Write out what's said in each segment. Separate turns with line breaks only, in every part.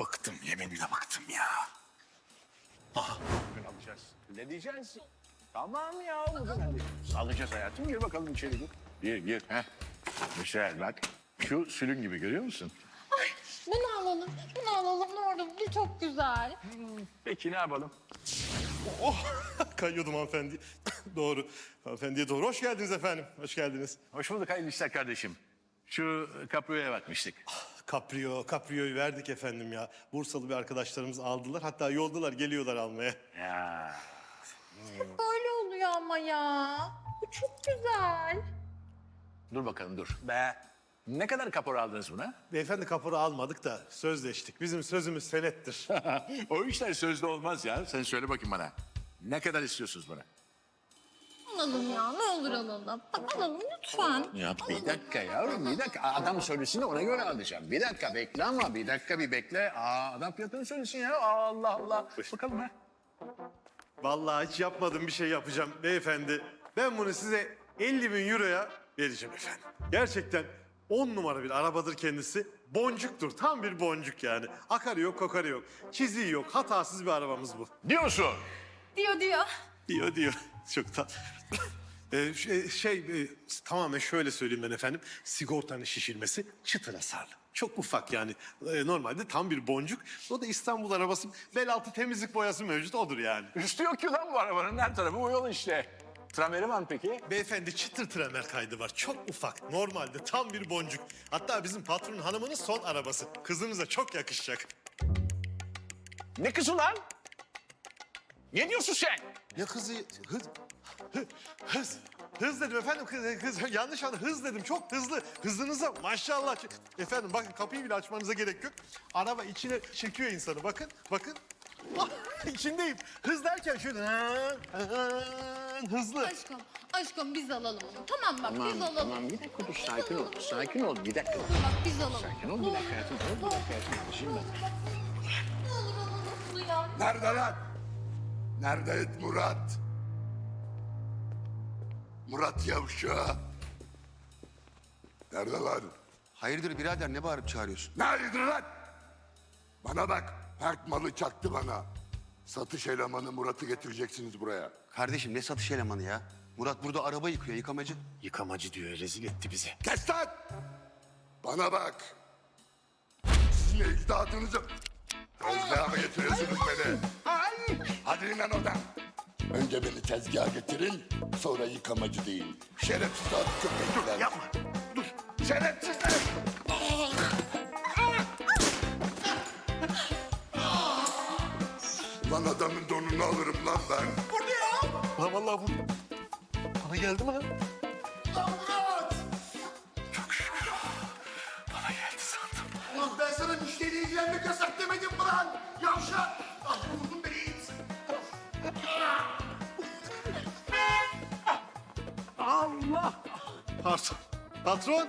Bıktım, yeminle bıktım ya.
Bugün alacağız. Ne diyeceğiz? Tamam ya bugün alacağız. Alacağız hayatım. Gir bakalım içeri gir. Gir. Heh. Güzel bak. Şu sülün gibi görüyor musun?
Ay bunu alalım. Bunu alalım ne olur. Bu çok güzel.
Peki ne yapalım?
Oh, kayıyordum hanımefendi. Doğru, hanımefendiye doğru. Hoş geldiniz efendim, hoş geldiniz.
Hoş bulduk hayırlı işler kardeşim. Şu kapriyoya bakmıştık.
Caprio'yu verdik efendim ya. Bursalı bir arkadaşlarımız aldılar. Hatta yoldalar, geliyorlar almaya.
Ya.
Böyle oluyor ama ya. Bu çok güzel.
Dur bakalım dur. Be. Ne kadar kapora aldınız buna?
Beyefendi kapora almadık da sözleştik. Bizim sözümüz senettir.
O işler sözde olmaz ya. Sen söyle bakayım bana. Ne kadar istiyorsunuz buna?
Alalım ya ne olur alalım. Bak alalım lütfen.
Ya bir dakika yavrum bir dakika. Adam söylesin de ona göre alacağım. Bir dakika bekle ama bir dakika bir bekle. Adam fiyatını söylesin ya. Allah Allah. Bakalım ha.
Vallahi hiç yapmadığım bir şey yapacağım beyefendi. Ben bunu size 50 bin euroya vereceğim efendim. Gerçekten 10 numara bir arabadır kendisi. Boncuktur, tam bir boncuk yani. Akarı yok, kokarı yok. Çiziği yok, hatasız bir arabamız bu.
Diyorsun.
Diyor.
Diyor. Çok da... tamamen şöyle söyleyeyim ben efendim. Sigortanın şişirmesi çıtır hasarlı. Çok ufak yani. Normalde tam bir boncuk. O da İstanbul arabası. Bel altı temizlik boyası mevcut odur yani.
Üstü yok ki lan bu arabanın. Her tarafı bu yol işte. Trameri var mı peki?
Beyefendi çıtır tremer kaydı var. Çok ufak. Normalde tam bir boncuk. Hatta bizim patronun hanımının son arabası. Kızınıza çok yakışacak.
Ne kızı lan? Ne diyorsun sen?
Ne kızı? Hız dedim efendim. Kız yanlış anladım. Hız dedim. Çok hızlı. Hızınıza maşallah. Efendim bakın kapıyı bile açmanıza gerek yok. Araba içine çekiyor insanı. Bakın. Ah, İçindeyim. Hız derken şöyle hızlı.
Aşkım biz alalım onu. Tamam bak biz alalım.
Tamam bir dakika dur sakin ol. Sakin ol bir dakika.
Bak biz alalım.
Sakin ol bir dakika hayatım. Bir dakika hayatım. Şimdi ben.
Ne olur alalım bunu ya.
Nerede lan? Nerede Murat? Murat yavşağı. Nerede lan?
Hayırdır birader ne bağırıp çağırıyorsun?
Nerededir lan? Bana bak, pert malı çaktı bana. Satış elemanı Murat'ı getireceksiniz buraya.
Kardeşim ne satış elemanı ya? Murat burada araba yıkıyor yıkamacı.
Yıkamacı diyor. Rezil etti bizi.
Kes lan! Bana bak. Sizin ecdadınızı tezgaha mı getiriyorsunuz beni? Hadi inin lan oradan. Önce beni tezgaha getirin, sonra yıkamacı deyin. Şerefsiz at köpekler.
Yapma. Dur.
Şerefsizler! Lan adamın donunu alırım lan ben.
Lan vallahi bu bana geldi mi lan?
Murat!
Bana geldi sandım.
Ulan ben sana müşteriyle ilgilenmek yasak demedim mi lan? Yavşak! Ah vurdun beni it.
Allah! Pardon. Patron.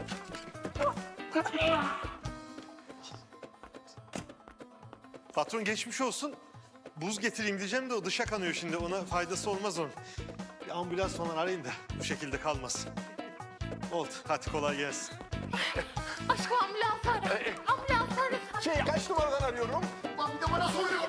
Patron geçmiş olsun. Buz getireyim diyeceğim de o dışa kanıyor şimdi. Ona faydası olmaz onun. Bir ambulans falan arayın da bu şekilde kalmasın. Oldu. Hadi kolay gelsin.
Aşkım ambulans ara. Ambulans ara.
Kaç numaradan arıyorum?
Lan bir de bana soruyor.